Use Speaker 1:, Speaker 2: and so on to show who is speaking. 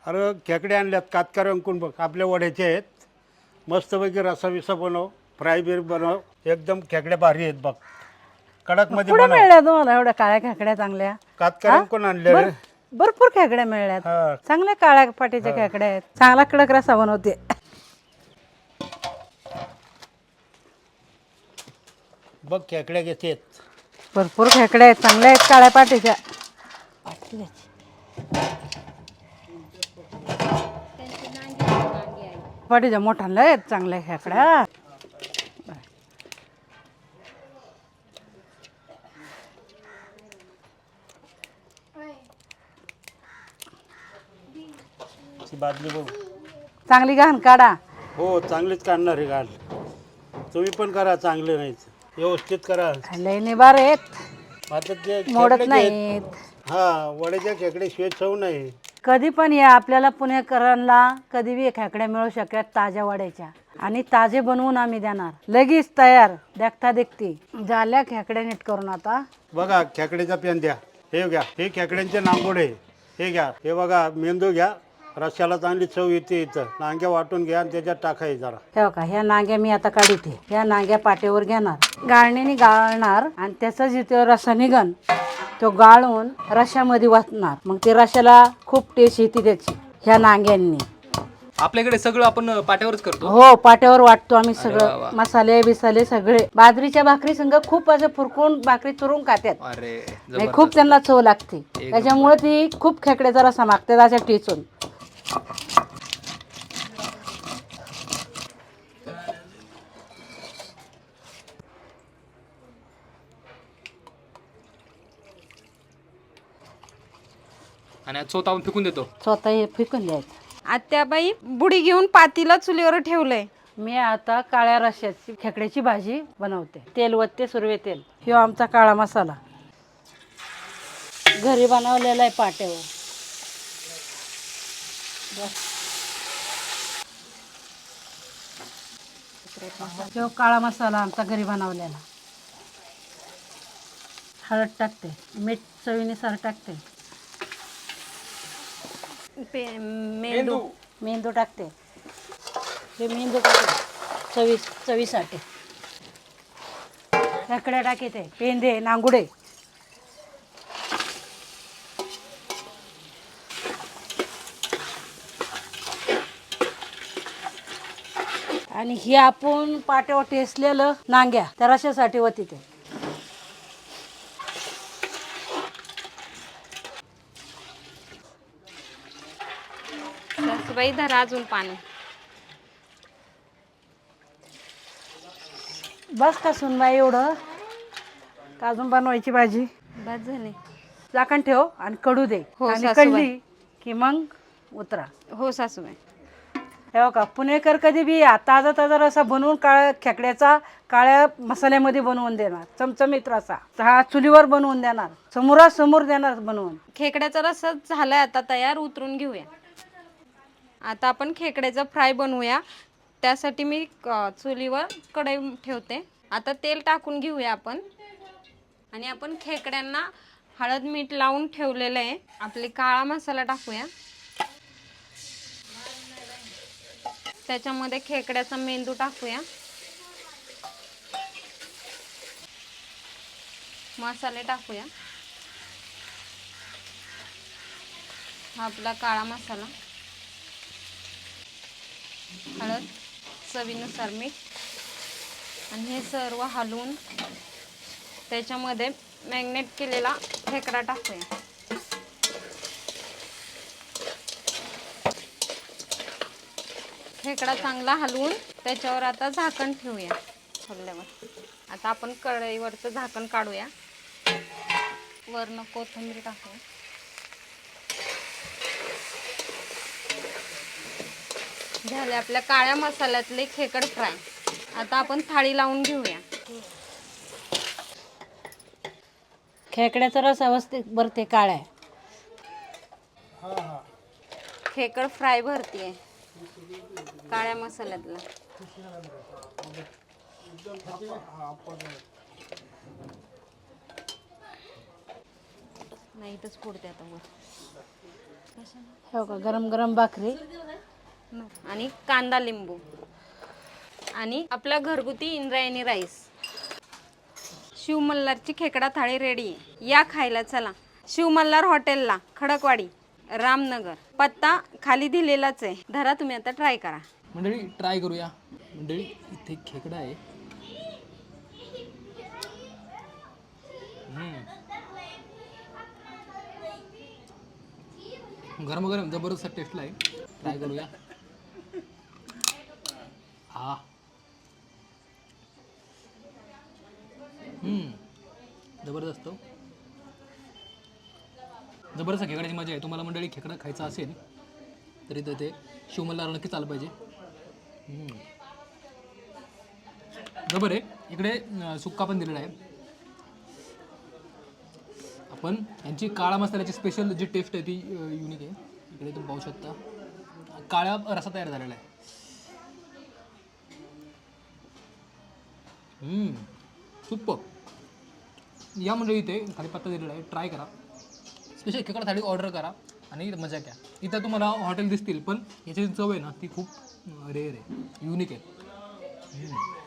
Speaker 1: अरे खेकडे आणल्यात कातकार अंकून बघ आपल्या वड्याचे आहेत मस्तपैकी रसा विसा बनव फ्राय बीर बनव एकदम खेकडे भारी आहेत बघ कडक मध्ये
Speaker 2: कुठे
Speaker 1: बनव
Speaker 2: मिळल्या तुम्हाला एवढ्या काळ्या खेकड्या चांगल्या
Speaker 1: कातकार अंकून आणले रे
Speaker 2: भरपूर खेकड्या मिळल्यात
Speaker 1: हा
Speaker 2: चांगल्या काळ्या पाटीच्या खेकड्या आहेत चांगला कडक रसा बनवते
Speaker 1: बघ खेकड्या घेतेत
Speaker 2: भरपूर खेकड्या आहेत चांगल्या आहेत काळ्या पाटीच्या पाटीच्या मोठ्या आहेत चांगल्या खेकड्या
Speaker 1: ती बादली बघ
Speaker 2: चांगली घाण काढा
Speaker 1: हो चांगलीच काढणार आहे गाल तुम्ही पण करा चांगले नाही व्यवस्थित करा
Speaker 2: लय निबार आहेत
Speaker 1: आता ते
Speaker 2: मोडत
Speaker 1: खेकडे
Speaker 2: नाहीत
Speaker 1: हा वड्याच्या खेकडे शिवाय चव नाही
Speaker 2: कधी पण या आपल्याला पुणेकरांना कधी बी खेकड्या मिळू शकतात ताज्या वाड्याच्या आणि ताजे बनवून आम्ही देणार लगेच तयार देखता देखती झाल्या खेकड्या नीट करून आता
Speaker 1: बघा खेकड्याचा पेन द्या हे घ्या हे खेकड्यांचे नांगोडे हे घ्या हे बघा मेंदू घ्या रश्याला चांगली चव येते इथं नांग्या वाटून घ्या आणि त्याच्यात टाकाय जरा
Speaker 2: हे बघा ह्या नांग्या मी आता काढते ह्या नांग्या पाट्यावर घेणार गाळणीने गाळणार आणि त्याचा जिथे रसा निघन तो गाळून रश्यामध्ये वाटणार मग ते रश्याला खूप टेस्ट येते त्याची ह्या नांग्यांनी
Speaker 3: आपल्याकडे सगळं आपण पाट्यावरच करतो
Speaker 2: हो पाट्यावर वाटतो आम्ही सगळं मसाले बिसाले सगळे बाजरीच्या भाकरी संग खूप असं फुरकून भाकरी चुरून खात्यात
Speaker 3: अरे
Speaker 2: नाही खूप त्यांना चव लागते त्याच्यामुळे ती खूप खेकड्याचा रसा मागते अशा टेचून
Speaker 3: आणि चोतावून फेकून देतो
Speaker 2: स्वतः हे फेकून द्यायचं
Speaker 4: आत्याबाई बुडी घेऊन पातीला चुलीवर ठेवलंय
Speaker 2: मी आता काळ्या रश्याची खेकड्याची भाजी बनवते तेल वत्ते सुरवे तेल ह्यो आमचा काळा मसाला घरी बनवलेला आहे पाट्यावर ह्यो काळा मसाला आमचा घरी बनवलेला हळद टाकते मीठ चवीनुसार टाकते
Speaker 4: मेंदू
Speaker 2: मेंदू टाकते हे मेंदू टाकते चवीसाठी खेकड्या टाकते पेंदे नांगुडे आणि हे आपण पाट्यावर टेसलेलं नांग्या त्या रशासाठी होती ते
Speaker 4: सासूबाई धरा अजून पाणी
Speaker 2: बस का सुनबाई एवढं का अजून बनवायची भाजी
Speaker 4: बस झाले
Speaker 2: झाकण ठेव आणि कडू दे
Speaker 4: हो,
Speaker 2: आणि
Speaker 4: सासूबाई.
Speaker 2: कढली की मग उतरा
Speaker 4: हो सासूबाई
Speaker 2: हे का पुणेकर कधी बी या ताजा ताजा रसा बनवून काळ्या खेकड्याचा काळ्या मसाल्यामध्ये बनवून देणार चमचमीत रसा हा चुलीवर बनवून देणार समोरासमोर देणार बनवून
Speaker 4: खेकड्याचा रस्सा झालाय आता तयार उतरून घेऊया आता आपण खेकड्याचा फ्राय बनवूया त्यासाठी मी चुलीवर कढई ठेवते आता तेल टाकून घेऊया आपण आणि आपण खेकड्यांना हळद मीठ लावून ठेवलेलं आहे आपले काळा मसाला टाकूया त्याच्यामध्ये खेकड्याचा मेंदू टाकूया मसाले टाकूया हा आपला काळा मसाला हळद चवीनुसार मीठ आणि हे सर्व हलवून त्याच्यामध्ये मॅग्नेट केलेला खेकडा टाकूया खेकडा चांगला हलवून त्याच्यावर आता झाकण ठेवूया हलल्यावर आता आपण कढईवरचं झाकण काढूया वरनं कोथिंबीर टाकूया झाले आपल्या काळ्या मसाल्यातले खेकड फ्राय आता आपण थाळी लावून घेऊया
Speaker 2: खेकड्याचा रस अवस्थेत भरते काळ्या
Speaker 4: खेकड फ्राय भरतीये काळ्या मसाल्यातला नाही इथंच फोडते आता वर कशाला
Speaker 2: हो का, गरम गरम भाकरी.
Speaker 4: आणि कांदा लिंबू आणि आपला घरगुती इंद्रायणी राईस. शिवमल्हारची खेकडा थाळी रेडी आहे, या खायला चला. शिवमल्हार हॉटेलला, खडकवाडी, रामनगर. पत्ता खाली दिलेलाच आहे, धरा तुम्ही आता ट्राय करा.
Speaker 3: मंडळी ट्राय करूया. मंडळी इथे खेकडा आहे. गरम गरम जबरदस्त टेस्टला आहे. ट्राय करूया. हा जबरदस्त. जबरदस्त खेकड्याची मजा आहे. तुम्हाला मंडळी खेकडा खायचा असेल तरी तर ते शिवमल्हार नक्कीच आलं पाहिजे. जबर आहे. इकडे सुक्का पण दिलेला आहे. आपण यांची काळा मसाल्याची स्पेशल जी टेस्ट आहे ती युनिक आहे. इकडे तुम्ही पाहू शकता काळा रसा तयार झालेला आहे. सुपर. या मंडळी इथे खाली पत्ता दिलेला आहे, ट्राय करा. स्पेशल खेकडा थाळी ऑर्डर करा आणि मजा घ्या. इथं तुम्हाला हॉटेल दिसतील पण याची चव आहे ना ती खूप रेअर आहे, युनिक आहे.